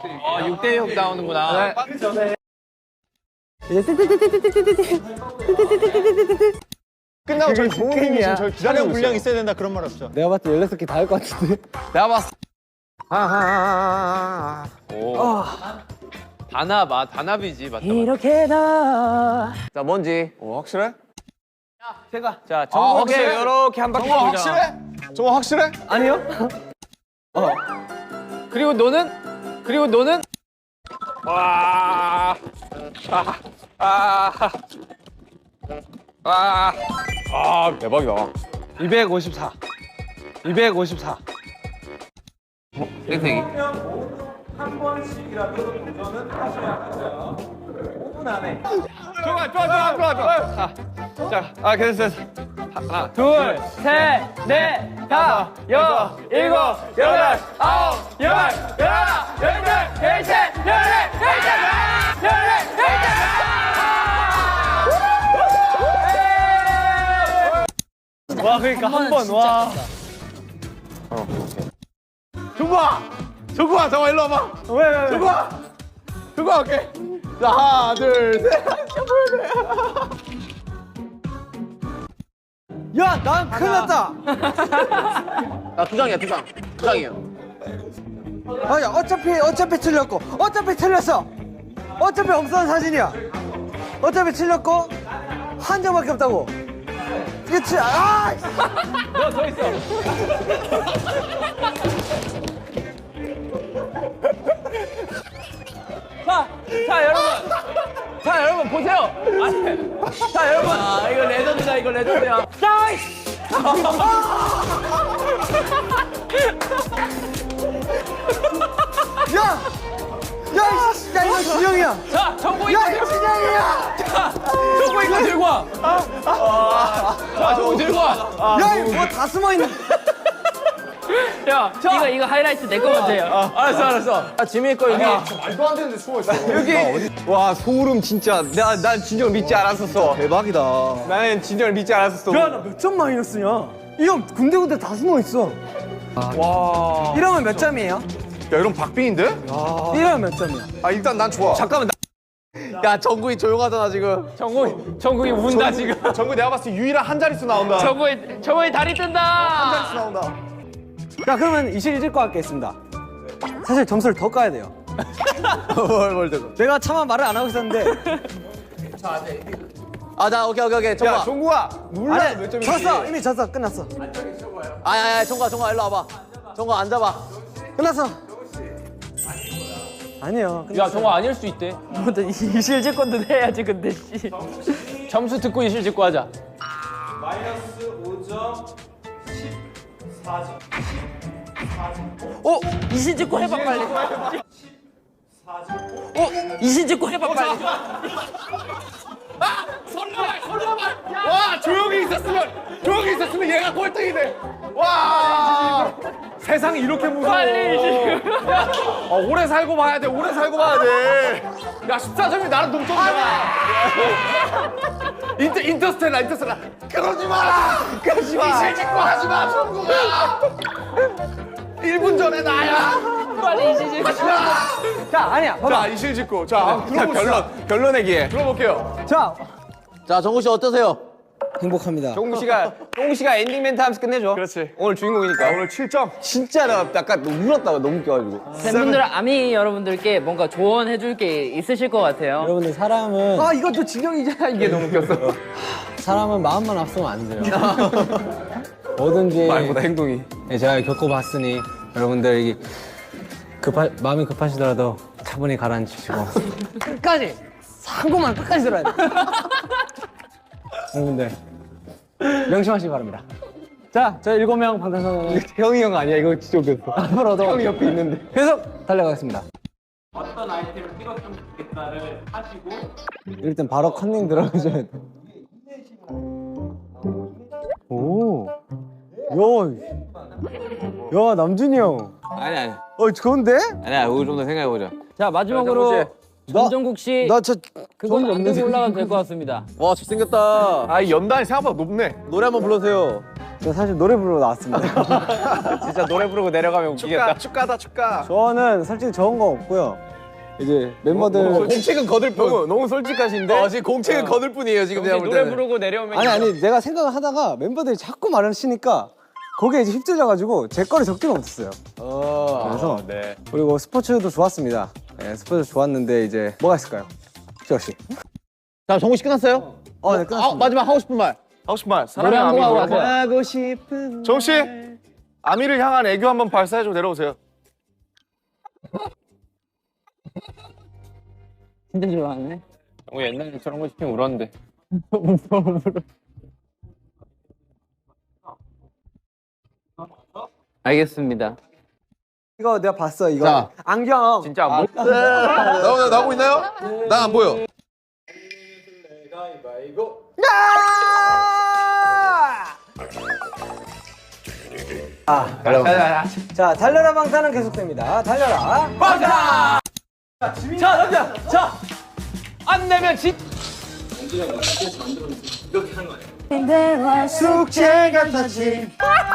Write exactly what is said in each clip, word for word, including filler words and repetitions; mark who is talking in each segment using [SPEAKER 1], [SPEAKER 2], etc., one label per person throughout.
[SPEAKER 1] 아, 육 대 육 나오는구나.
[SPEAKER 2] 끝나고 저희 동훈이 지금 저희 기다리고
[SPEAKER 3] 분량
[SPEAKER 2] 있어요.
[SPEAKER 3] 있어야 된다 그런 말 없죠?
[SPEAKER 4] 내가 봤을 때 열여섯 개 다 할 것 같은데.
[SPEAKER 1] 내가 봤어.
[SPEAKER 4] 아하하하하.
[SPEAKER 1] 오. 단합, 아, 단합이지. 맞다, 맞다.
[SPEAKER 4] 이렇게 다.
[SPEAKER 1] 자, 뭔지.
[SPEAKER 2] 어, 확실해?
[SPEAKER 4] 제가.
[SPEAKER 1] 자,
[SPEAKER 2] 아,
[SPEAKER 1] 정국이
[SPEAKER 2] 확실해?
[SPEAKER 1] 이렇게 한 바퀴
[SPEAKER 2] 정호
[SPEAKER 1] 돌자.
[SPEAKER 2] 확실해? 정호 확실해?
[SPEAKER 4] 아니요?
[SPEAKER 1] 그리고 너는? 그리고 너는? 와. 아. 아. 아.
[SPEAKER 2] 아, 대박이다.
[SPEAKER 4] 이백오십사. 이백오십사.
[SPEAKER 1] 땡땡이.
[SPEAKER 2] 좋아, 좋아, 좋아, 좋아, 좋아.
[SPEAKER 1] 자, 아, 됐어, 됐어. 하나,
[SPEAKER 4] 둘, 셋, 넷, 다섯, 여섯, 일곱, 여덟, 아홉, 열, 열하나, 열둘, 열셋, 열넷, 열다섯, 열넷, 열다섯. 와, 그러니까 한 번, 와.
[SPEAKER 2] 정국아! 정국아, 정국아, 일로 와봐.
[SPEAKER 4] 왜, 왜, 왜?
[SPEAKER 2] 정국아! 정국아, 오케이. 자, 하나, 둘, 셋.
[SPEAKER 4] 야, 난 큰일 났다.
[SPEAKER 1] 나 두 장이야, 두 장. 두 장이에요.
[SPEAKER 4] 아, 야, 어차피, 어차피 틀렸고, 어차피 틀렸어. 어차피 없어진 사진이야. 어차피 틀렸고, 한 장밖에 없다고. 그치? 아! 너 더 있어. 자, 자, 여러분. 자, 여러분, 보세요. 아니, 자, 여러분. 아, 이거 레전드다, 이거 레전드야. 나이스! 야! 야, 이씨, 야, 이거 진영이야.
[SPEAKER 1] 자, 정국이
[SPEAKER 4] 야, 이거 진영이야.
[SPEAKER 1] 정국 이거 들고 와. 자, 정국 들고 와.
[SPEAKER 4] 야, 이거 뭐 다 숨어 있는.
[SPEAKER 1] 야,
[SPEAKER 5] 이거 이거 하이라이트 내 거 먼저요.
[SPEAKER 1] 알았어, 알았어. 아, 지민이 거 여기.
[SPEAKER 2] 말도 안 되는데 숨어 있어.
[SPEAKER 1] 여기. 와, 소름 진짜. 나, 난 진정을 믿지 않았었어.
[SPEAKER 4] 대박이다.
[SPEAKER 1] 나는 진정을 믿지 않았었어.
[SPEAKER 4] 야, 나 몇 점 마이너스냐? 이 형 군데군데 다 숨어 있어.
[SPEAKER 1] 와.
[SPEAKER 4] 이러면 몇 점이에요?
[SPEAKER 2] 야, 이런 박빙인데?
[SPEAKER 4] 이러면 몇 점이야?
[SPEAKER 2] 아, 일단 난 좋아.
[SPEAKER 1] 잠깐만. 나... 야, 정국이 조용하잖아, 지금. 정국이, 정국이 운다, 지금.
[SPEAKER 2] 정국 내가 봤을 때 유일한 한 자릿수 나온다.
[SPEAKER 1] 정국이, 정국이 다리 뜬다.
[SPEAKER 2] 한 자릿수 나온다.
[SPEAKER 4] 자, 그러면 이실질 거 하겠습니다. 사실 점수를 더 까야 돼요.
[SPEAKER 1] 뭘, 뭘 되고.
[SPEAKER 4] 내가 차마 말을 안 하고 있었는데.
[SPEAKER 1] 아, 나, 오케이, 오케이, 오케이. 정국아.
[SPEAKER 2] 야, 정국아. 몰라,
[SPEAKER 4] 아니,
[SPEAKER 2] 몇 점인지.
[SPEAKER 4] 졌어. 이미 졌어. 끝났어.
[SPEAKER 1] 아, 야, 야, 정국아, 정국아, 일로 와봐. 정국아, 앉아봐.
[SPEAKER 4] 끝났어. 아니요.
[SPEAKER 1] 야, 정국아, 아닐 수 있대.
[SPEAKER 5] 뭐또 이실질 건도 해야지 근데 씨.
[SPEAKER 1] 점수 듣고 이실 짓고 하자.
[SPEAKER 5] 어 이실질 거 해봐 빨리. 어 이실질 거 해봐 빨리.
[SPEAKER 2] 와, 조용히 있었으면, 조용히 있었으면 얘가 꼴등이네. 와, 세상이 이렇게 무서워.
[SPEAKER 5] 빨리 지금.
[SPEAKER 2] 어, 오래 살고 봐야 돼, 오래 살고 봐야 돼. 야, 십사 점이 나랑 동점이잖아. 인터, 인터스텔라, 인터스텔라. 그러지 마라! 그러지 마! 이실 짓고 하지 마, 정국아! 일 분 전에 나야!
[SPEAKER 5] 빨리 이실질 거.
[SPEAKER 4] 자, 아니야. 봐봐.
[SPEAKER 2] 자, 이실 짓고. 자, 들어봅시다.
[SPEAKER 1] 결론 내기에.
[SPEAKER 2] 들어볼게요.
[SPEAKER 4] 자,
[SPEAKER 1] 자, 정국 씨 어떠세요?
[SPEAKER 4] 행복합니다.
[SPEAKER 1] 정국 씨가, 정국 씨가 엔딩 멘트 하면서 끝내줘.
[SPEAKER 2] 그렇지.
[SPEAKER 1] 오늘 주인공이니까.
[SPEAKER 2] 자, 오늘 칠 점.
[SPEAKER 1] 진짜 나 약간 울었다가 너무 웃겨가지고.
[SPEAKER 5] 팬분들 아미 여러분들께 뭔가 조언해 줄 게 있으실 것 같아요.
[SPEAKER 4] 여러분들 사람은
[SPEAKER 1] 아, 이것도 진영이잖아. 이게 너무 웃겼어.
[SPEAKER 4] 사람은 마음만 앞서면 안 돼요. 뭐든지
[SPEAKER 1] 말보다 행동이.
[SPEAKER 4] 예, 제가 겪어봤으니 여러분들 이게 급하, 마음이 급하시더라도 차분히 가라앉히시고 끝까지 상고만 끝까지 들어야 돼. 여러분들 명심하시기 바랍니다. 자, 저 일곱 명 방탄소년단
[SPEAKER 1] 형이 형 아니야. 이거 진짜 웃겼어.
[SPEAKER 4] 앞으로도
[SPEAKER 1] 형이 옆에 있는데.
[SPEAKER 4] 계속 달려가겠습니다. 어떤 아이템을 찍었으면 좋겠다를 하시고 일단 바로 컨닝 들어가셔야 돼. 오, 야, 야 남준이 형.
[SPEAKER 1] 아니, 아니.
[SPEAKER 4] 어, 좋은데?
[SPEAKER 1] 아니야, 우리 좀 더 생각해보자.
[SPEAKER 5] 자 마지막으로 전정국 씨
[SPEAKER 4] 나 저
[SPEAKER 5] 그건 안 들고 올라가도 될 것 같습니다.
[SPEAKER 1] 와, 잘생겼다.
[SPEAKER 2] 아, 이 연단이 생각보다 높네.
[SPEAKER 1] 노래 한번 불러주세요.
[SPEAKER 4] 저 사실 노래 부르러 나왔습니다.
[SPEAKER 1] 진짜 노래 부르고 내려가면 웃기겠다.
[SPEAKER 2] 축가다 축가.
[SPEAKER 4] 저는 솔직히 적은 거 없고요. 이제 멤버들
[SPEAKER 2] 공책은 거들 뿐.
[SPEAKER 1] 너무, 너무 솔직하신데?
[SPEAKER 2] 어, 지금 공책은 거들 뿐이에요 지금 내가 볼
[SPEAKER 1] 노래
[SPEAKER 2] 때는.
[SPEAKER 1] 부르고 내려오면
[SPEAKER 4] 아니 아니 내가 생각을 하다가 멤버들이 자꾸 말을 치니까 거기에 이제 휩쓸려가지고 제 거를 적지가 못했어요.
[SPEAKER 2] 어.
[SPEAKER 4] 그래서
[SPEAKER 1] 네.
[SPEAKER 4] 그리고 스포츠도 좋았습니다. 네, 스포츠 좋았는데 이제 뭐가 있을까요? 지혁 씨.
[SPEAKER 2] 자 정우 씨 끝났어요?
[SPEAKER 4] 어, 네 끝났습니다.
[SPEAKER 2] 아, 마지막 하고 싶은 말.
[SPEAKER 3] 하고 싶은 말.
[SPEAKER 5] 노래
[SPEAKER 3] 사랑의
[SPEAKER 5] 한
[SPEAKER 3] 아미
[SPEAKER 5] 곡 하고
[SPEAKER 3] 뭐라고?
[SPEAKER 5] 가세요.
[SPEAKER 2] 하고 싶은.
[SPEAKER 3] 정우 씨, 아미를 향한 애교 한번 발사해줘 내려오세요.
[SPEAKER 5] 진짜 좋아하네.
[SPEAKER 1] 어, 옛날에 저런 거 시키면 울었는데.
[SPEAKER 5] 알겠습니다.
[SPEAKER 4] 이거 내가 봤어 이거.
[SPEAKER 2] 자.
[SPEAKER 4] 안경.
[SPEAKER 1] 진짜 안 보여.
[SPEAKER 2] 나오 나오고 있나요? 난 안 보여.
[SPEAKER 4] 아, 자 달려라 방탄은 계속됩니다. 달려라.
[SPEAKER 1] 자, 남자! 자! 안 내면 진!
[SPEAKER 4] 숙제 같았지.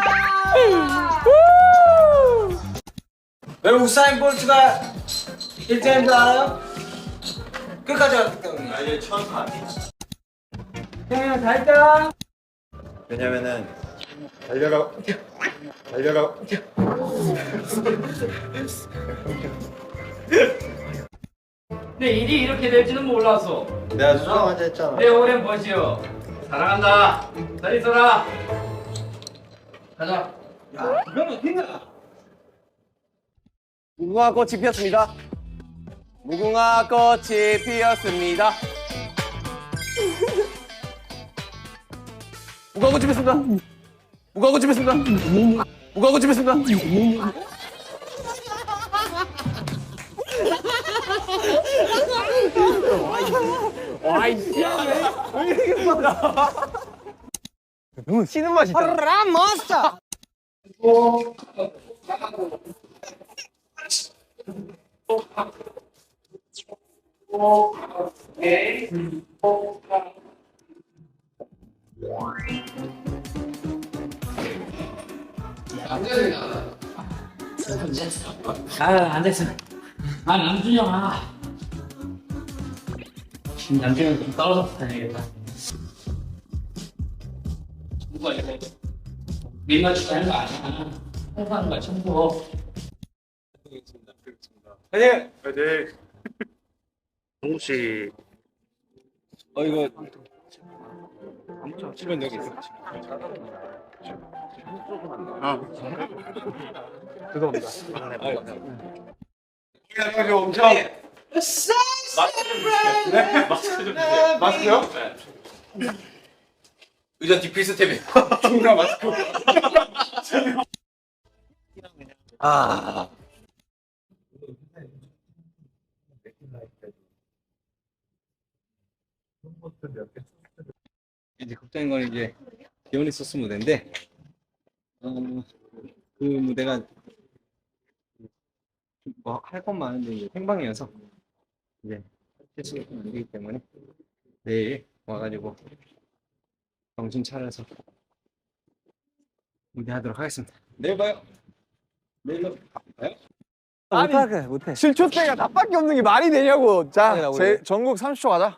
[SPEAKER 4] 왜 우사인 볼트가 일 등인 줄 알아요? 끝까지 왔기 때문에. 아니 처음 가. 형님 다 했다.
[SPEAKER 3] 왜냐면은 달려라, 달려라.
[SPEAKER 5] 내 일이 이렇게 될지는 몰랐어.
[SPEAKER 3] 내가 수정하자 했잖아.
[SPEAKER 5] 내 오랜 버지요. 사랑한다. 잘 있어라. 가자.
[SPEAKER 2] 무궁화 꽃이 피었습니다. 무궁화 꽃이 피었습니다. 무궁화 꽃이 피었습니다. 무궁화 꽃이 피었습니다. 무궁화 꽃이 피었습니다.
[SPEAKER 1] 쉬는 맛이 있다.
[SPEAKER 4] 라모스타.
[SPEAKER 5] 아, 안 됐어. 아, 남준영, 아. 남준영 좀 떨어져서 다녀야겠다. 누가 이거 민낯추가 하는 거 아니야. 홍보하는 거야, 청소.
[SPEAKER 3] 화이팅! 화이팅! 정우 씨.
[SPEAKER 1] 어, 이거. 치면 여기 있어.
[SPEAKER 3] 여기 엄청. 마스크요?
[SPEAKER 2] 의자 디필스템이.
[SPEAKER 1] 중간 마스크.
[SPEAKER 2] 아.
[SPEAKER 4] 이제 걱정인 건 이제 디오니소스 무대인데 어, 그 무대가 뭐 할 건 많은데 이제 생방이어서 이제 실수가 안 되기 때문에 내일 와가지고 정신 차려서 무대하도록 하겠습니다. 내일 봐요. 내일 봐요.
[SPEAKER 1] 아니,
[SPEAKER 4] 못해 못해.
[SPEAKER 1] 칠 초 때가 나밖에 없는 게 말이 되냐고. 자,
[SPEAKER 3] 제 전국 삼십 초 가자.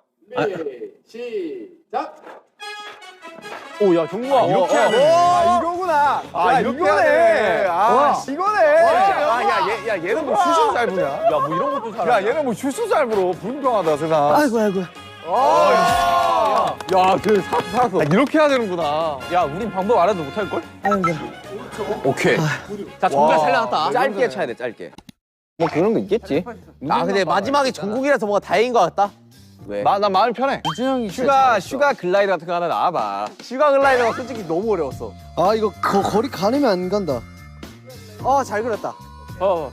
[SPEAKER 1] 오, 야, 정국아.
[SPEAKER 3] 이렇게
[SPEAKER 1] 어,
[SPEAKER 3] 해야
[SPEAKER 1] 어.
[SPEAKER 3] 돼.
[SPEAKER 1] 아, 이거구나.
[SPEAKER 3] 아,
[SPEAKER 1] 야,
[SPEAKER 3] 이렇게
[SPEAKER 1] 이거네.
[SPEAKER 3] 해야 돼.
[SPEAKER 1] 아,
[SPEAKER 3] 와.
[SPEAKER 1] 이거네.
[SPEAKER 3] 아, 야, 얘, 야, 얘는 뭐 슛을 잘 부냐?
[SPEAKER 1] 야, 뭐 이런 것도 잘해.
[SPEAKER 3] 야, 얘는 뭐 슛을 잘 불어. 불공평하다, 세상.
[SPEAKER 4] 아이고 아이고.
[SPEAKER 1] 아, 야, 야, 그 사, 살았어.
[SPEAKER 3] 아, 이렇게 해야 되는구나.
[SPEAKER 1] 야, 우린 방법 알아도 못할 걸?
[SPEAKER 4] 아이고.
[SPEAKER 2] 오케이. 자 정말 살려놨다. 짧게 쳐야 돼 짧게.
[SPEAKER 1] 뭐 그런 거 있겠지.
[SPEAKER 2] 아 근데 마지막에 전국이라서 뭔가 다행인 것 같다. 왜?
[SPEAKER 3] 나, 나 마음이 편해.
[SPEAKER 1] 슈가, 슈가 글라이드 같은 거 하나 나와봐. 슈가 글라이드가 솔직히 너무 어려웠어.
[SPEAKER 4] 아 이거 거, 거리 가늠이 안 간다. 어 잘 그렸다.
[SPEAKER 1] 어.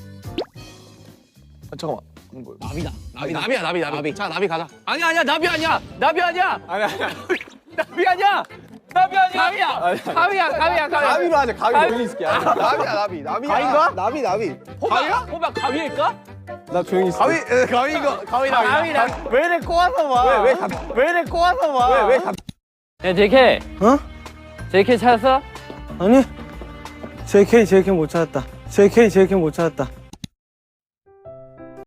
[SPEAKER 3] 아, 잠깐만.
[SPEAKER 2] 나비다. 나비 나비야 나비 나비. 자 나비 가자.
[SPEAKER 5] 아니야, 아니야, 나비 아니야. 나비 아니야.
[SPEAKER 1] 아니, 아니, 아니.
[SPEAKER 5] 나비 아니야. 나비 아니야. 가위야. 가위야, 가위야, 가위야.
[SPEAKER 1] 가위로 하자, 가위로.
[SPEAKER 5] 가위.
[SPEAKER 1] 조용히 있을게. 나비야, 나비. 나비야.
[SPEAKER 5] 가위인가?
[SPEAKER 1] 나비, 나비.
[SPEAKER 5] 호박, 호박 가위일까?
[SPEAKER 1] 나 조용히 있을게.
[SPEAKER 2] 가위 에, 가위 이거 가위다.
[SPEAKER 5] 가위다.
[SPEAKER 1] 왜 이래 꼬아서 봐?
[SPEAKER 2] 왜, 왜
[SPEAKER 1] 왜, 왜 이래 꼬아서 봐?
[SPEAKER 2] 왜, 왜 갑-
[SPEAKER 5] 야, 제이케이.
[SPEAKER 4] 어?
[SPEAKER 1] 제이케이 찾았어?
[SPEAKER 4] 아니 제이케이 제이케이 못 찾았다. 제이케이 제이케이 못 찾았다.